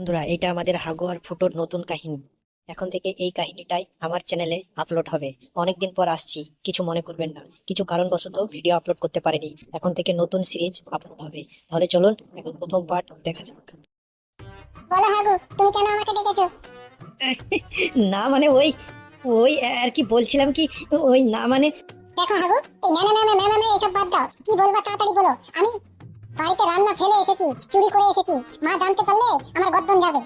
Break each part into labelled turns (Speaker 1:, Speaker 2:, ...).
Speaker 1: বন্ধুরা, এটা আমাদের হাগু আর ফুটোর নতুন কাহিনী। এখন থেকে এই কাহিনীটাই আমার চ্যানেলে আপলোড হবে। অনেকদিন পর আসছি, কিছু মনে করবেন না। কিছু কারণবশত ভিডিও আপলোড করতে পারিনি। এখন থেকে নতুন সিরিজ আপলোড হবে। তাহলে চলুন এখন প্রথম পার্ট দেখা যাক।
Speaker 2: বলো হাগু, তুমি কেন আমাকে ডেকেছো?
Speaker 1: না মানে ওই ওই আর কি বলছিলাম কি, ওই না মানে
Speaker 2: দেখো হাগু, এই না না না না না না এসব বাদ দাও। কি বলবা তাড়াতাড়ি বলো। আমি বাড়িতে রান্না ফেলে এসেছি, চুরি করে এসেছি। মা জানতে পারলে আমার গর্দন যাবে।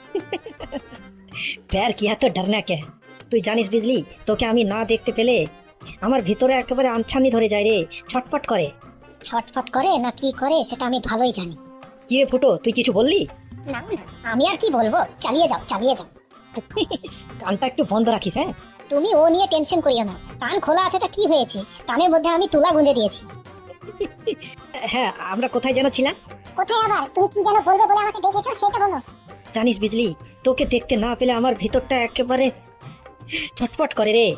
Speaker 1: প্যার কিয়া তো ডরনা কে। তুই জানিস বিজলি, তোকে আমি না দেখতে পেলে আমার ভিতরে একেবারে আনছানি ধরে যায় রে, ছটফট করে।
Speaker 2: ছটফট করে না কি করে সেটা আমি ভালোই জানি।
Speaker 1: কি রে ফুটো, তুই কিছু বললি?
Speaker 2: না না, আমি আর কি বলবো, চালিয়ে যাও চালিয়ে যাও।
Speaker 1: কানটা একটু বন্ধ রাখিস, হ্যাঁ?
Speaker 2: তুমি ও নিয়ে টেনশন করিও না। কান খোলা আছে তা কি হয়েছে, কানের মধ্যে আমি তুলা গুঁজে দিয়েছি।
Speaker 1: হ্যাঁ, আমরা কোথায় যেন ছিলাম?
Speaker 2: কোথায় আবার? তুমি কি যেন বলবে বলে আমাকে ডেকেছো সেটা বলো।
Speaker 1: জানিস বিজলি, তোকে দেখতে না পেলে আমার ভিতরটা একেবারে ছটফট করে রে।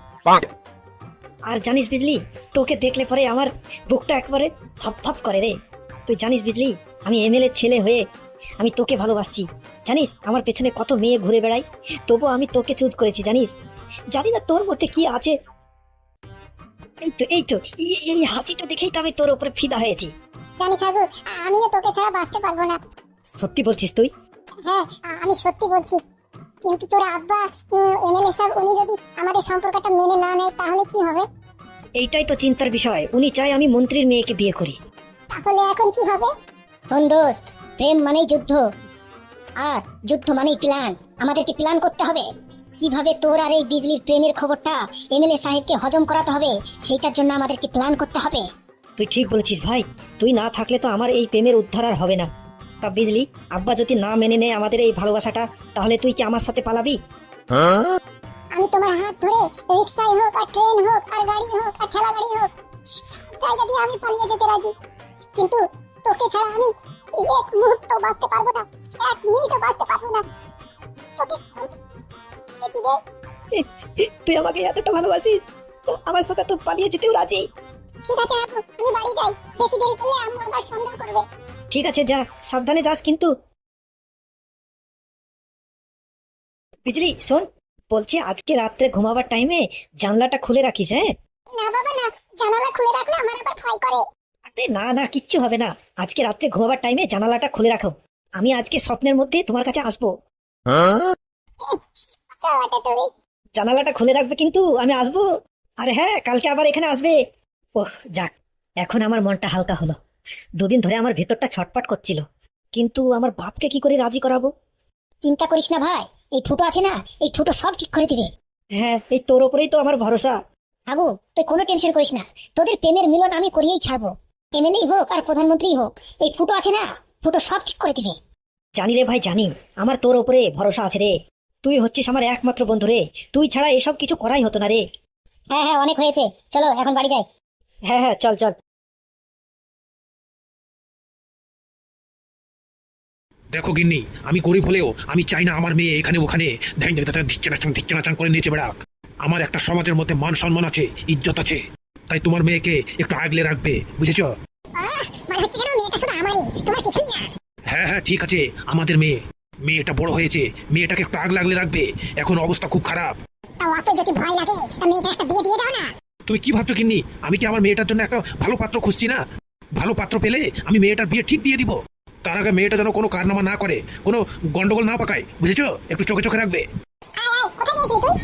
Speaker 1: আর জানিস বিজলি, তোকে দেখলে পরে আমার বুকটা একবারে থপথপ করে রে। তুই জানিস বিজলি, আমি এমএলএ ছেলে হয়ে আমি তোকে ভালোবাসছি। জানিস আমার পেছনে কত মেয়ে ঘুরে বেড়াই, তবু আমি তোকে চুজ করেছি। জানিস, জানি না তোর মধ্যে কি আছে। এই তো এই হাসিটা দেখেই তো আমি তোর উপরে ফিদা হয়েছি।
Speaker 2: জানিস হাগু, আমিও তোকে ছাড়া বাঁচতে পারবো না।
Speaker 1: সত্যি বলছিস তুই?
Speaker 2: হ্যাঁ, আমি সত্যি বলছি। কিন্তু তোর আব্বা এমএলএ সাহেব উনি যদি আমাদের সম্পর্কটা মেনে না নেয় তাহলে কি হবে?
Speaker 1: এইটাই তো চিন্তার বিষয়। উনি চায় আমি মন্ত্রীর মেয়েকে বিয়ে করি।
Speaker 2: তাহলে এখন কি হবে? শোন দোস্ত, প্রেম মানেই যুদ্ধ, আর যুদ্ধ মানেই প্ল্যান। আমাদেরকে প্ল্যান করতে হবে কিভাবে তোর আর এই বিজলির প্রেমের খবরটা এমএলএ সাহেবকে হজম করাতে হবে। সেইটার জন্য আমাদেরকে প্ল্যান করতে হবে।
Speaker 1: তুই ঠিক বলেছিস ভাই। তুই না থাকলে তো আমার এই প্রেমের উদ্ধার আর হবে না। তা বিজলি, আব্বা যদি না মেনে নেয় আমাদের এই ভালোবাসাটা, তাহলে তুই কি আমার সাথে পালাবি?
Speaker 2: আমি তোমার হাত ধরে রিক্সায় হোক আর ট্রেন হোক আর গাড়ি হোক আর ঠেলা গাড়ি হোক সব জায়গা দিয়ে আমি পালিয়ে যেতে রাজি। কিন্তু তোকে ছাড়া আমি এক মুহূর্ত বাঁচতে পারবো না, এক মিনিটও বাঁচতে পারবো না। তোকে পেয়েছি রে।
Speaker 1: তুই আমাকে এতটা ভালোবাসিস, আমার সাথে তো পালিয়ে যেতেও রাজি।
Speaker 2: ঠিক আছে আপু, আমি বাড়ি যাই। বেশি দেরি করলে আম্মু আবার সন্দেহ করবে।
Speaker 1: ঠিক আছে, যা, সাবধানে যাস কিন্তু। বিজলি শোন, বলছি আজকে রাত্রে ঘুমাবার টাইমে জানলাটা খুলে রাখিস, হ্যাঁ?
Speaker 2: না বাবা না, জানালা খুলে রাখলে আমার আবার ভয় করে।
Speaker 1: আরে না না, কিচ্ছু হবে না। আজকে রাত্রে ঘুমাবার টাইমে জানালাটা খুলে রাখো। আমি আজকে স্বপ্নের মধ্যে তোমার কাছে আসবো।
Speaker 2: সালাটা তুমি।
Speaker 1: জানালাটা খুলে রাখবে কিন্তু, আমি আসবো। আরে হ্যাঁ, কালকে আবার এখানে আসবে। ওহ যাক, এখন আমার মনটা হালকা হলো। দুদিন ধরে আমার ভেতরটা ছটপট করছিল, কিন্তু আমার বাপকে কি করে রাজি করাবো?
Speaker 2: চিন্তা করিস না ভাই, এই ফুটো আছে না, এই ফুটো সব ঠিক করে দিবে।
Speaker 1: হ্যাঁ, এই তোর ওপরেই তো আমার ভরসা।
Speaker 2: আবু, তুই কোনো টেনশন করিস না। তোদের প্রেমের মিলন আমি করিয়েই ছাড়বো। এমএলএ হোক আর প্রধানমন্ত্রী হোক, এই ফুটো আছে না, ফুটো সব ঠিক করে দিবে।
Speaker 1: জানি রে ভাই, জানি। আমার তোর ওপরে ভরসা আছে রে। তুই হচ্ছিস আমার একমাত্র বন্ধু রে। তুই ছাড়া এসব কিছু করাই হতো না রে।
Speaker 2: হ্যাঁ হ্যাঁ, অনেক হয়েছে, চলো এখন বাড়ি যাই।
Speaker 1: হ্যাঁ হ্যাঁ, চল চল।
Speaker 3: দেখো গিন্নি, আমি গরিব হলেও আমি চাই না আমার মেয়ে এখানে ওখানে ধ্যান ধিচ্ছে নাচান করে নিচে বেড়াক। আমার একটা সমাজের মধ্যে মান সম্মান আছে, ইজ্জত আছে। তাই তোমার মেয়েকে একটু আগলে রাখবে, বুঝেছ?
Speaker 2: মনে হচ্ছে যেন মেয়েটা শুধু আমারই, তোমার কিছুই না।
Speaker 3: হ্যাঁ হ্যাঁ, ঠিক আছে। আমাদের মেয়েটা বড় হয়েছে, মেয়েটাকে একটু আগলে আগলে রাখবে। এখন অবস্থা খুব খারাপ।
Speaker 2: তাও অত যদি ভয় লাগে তা মেয়েটা একটা বিয়ে দিয়ে দাও না।
Speaker 3: তুমি কি ভাবছো গিন্নি, আমি কি আমার মেয়েটার জন্য একটা ভালো পাত্র খুঁজছি না? ভালো পাত্র পেলে আমি মেয়েটার বিয়ে ঠিক দিয়ে দিব। তার আগে মেয়েটা যেন কোনো কারনামা না করে, কোনো গন্ডগোল না পাকায়, বুঝেছো? একটু চোখে চোখে রাখবে।
Speaker 2: আয় আয়, কোথায় গিয়েছিলি তুই?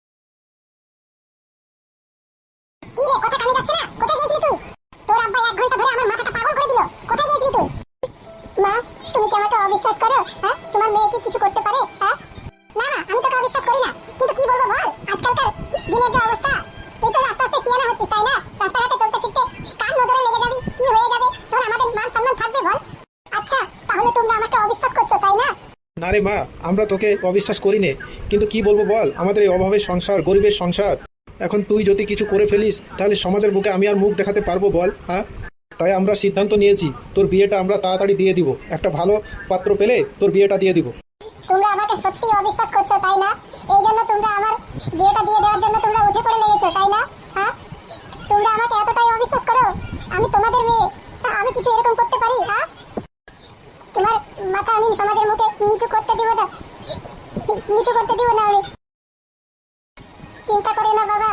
Speaker 2: কি রে, কথা কানে যাচ্ছে না? কোথায় গিয়েছিলি তুই? তোর আব্বা 1 ঘন্টা ধরে আমার মাথাটা পাগল করে দিল। কোথায় গিয়েছিলি তুই? মা, তুমি কি আমাকে অবিশ্বাস করো? হ্যাঁ, তোমার মেয়ে কি কিছু করতে পারে? হ্যাঁ না না, আমি তোকে অবিশ্বাস করি না। কিন্তু কি বলবো বল, আজকালকার দিনের যে অবস্থা, তুই তো আস্তে আস্তে সিয়ানা হচ্ছিস, তাই না? রাস্তাঘাটে চলতে ফিরতে কার নজরে লেগে যাবি, কি হয়ে যাবে, তখন আমাদের মান সম্মান থাকবে বল? আচ্ছা, তাহলে তোমরা আমাকে অবিশ্বাস করছো, তাই না?
Speaker 4: না রে মা, আমরা তোকে অবিশ্বাস করি নে, কিন্তু কি বলবো বল, আমাদের এই অভাবের সংসার, গরিবের সংসার। এখন তুই যদি কিছু করে ফেলিস তাহলে সমাজের বুকে আমি আর মুখ দেখাতে পারবো বল? হ্যাঁ, তাই আমরা সিদ্ধান্ত নিয়েছি তোর বিয়েটা আমরা তাড়াতাড়ি দিয়ে দিব। একটা ভালো পাত্র পেলে তোর বিয়েটা দিয়ে দিব।
Speaker 2: তোমরা আমাকে সত্যি অবিশ্বাস করছো, তাই না? এই জন্য তোমরা আমার বিয়েটা দিয়ে দেওয়ার জন্য তোমরা উঠে পড়ে লেগেছো, তাই না? হ্যাঁ, তোমরা আমাকে এতটাই অবিশ্বাস করো। আমি তোমাদের মেয়ে, আমি কিছু এরকম করতে পারি? হ্যাঁ, তোমার মাথা আমি সমাজের মুখে নিচু করতে দিব না, নিচু করতে দিব না আমি। চিন্তা করিও না বাবা,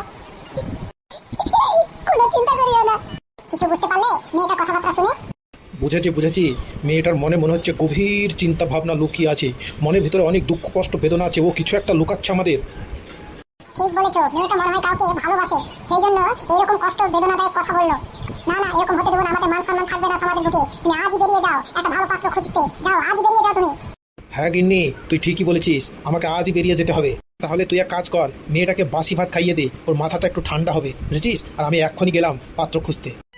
Speaker 2: কোনো চিন্তা করিও না। কিছু বুঝতে পারলে মেয়েটার কথাবার্তা শুনে?
Speaker 4: বুঝেছি বুঝেছি, মেয়েটার মনে মনে হচ্ছে গভীর চিন্তা ভাবনা লুকিয়ে আছে, মনের ভিতরে অনেক দুঃখ কষ্ট বেদনা আছে, ও কিছু একটা লুকাচ্ছে আমাদের।
Speaker 2: ঠিক বলেছো, মেয়েটা মনে হয় কাউকে ভালোবাসে, সেই জন্য এরকম কষ্ট বেদনাদায়ক কথা বললো। না না, এরকম হতে দেবো না, আমাদের মান সম্মান থাকবে না সমাজের বুকে। তুমি আজই বেরিয়ে যাও, একটা ভালো পাত্র খুঁজতে যাও, আজই বেরিয়ে যাও তুমি।
Speaker 4: হ্যাঁ গিন্নি, তুই ঠিকই বলেছিস, আমাকে আজই বেরিয়ে যেতে হবে। তাহলে তুই এক কাজ কর, মেয়েটাকে বাসি ভাত খাইয়ে দে, ওর মাথাটা একটু ঠান্ডা হবে, বুঝেছিস? আর আমি এক্ষুনি গেলাম পাত্র খুঁজতে।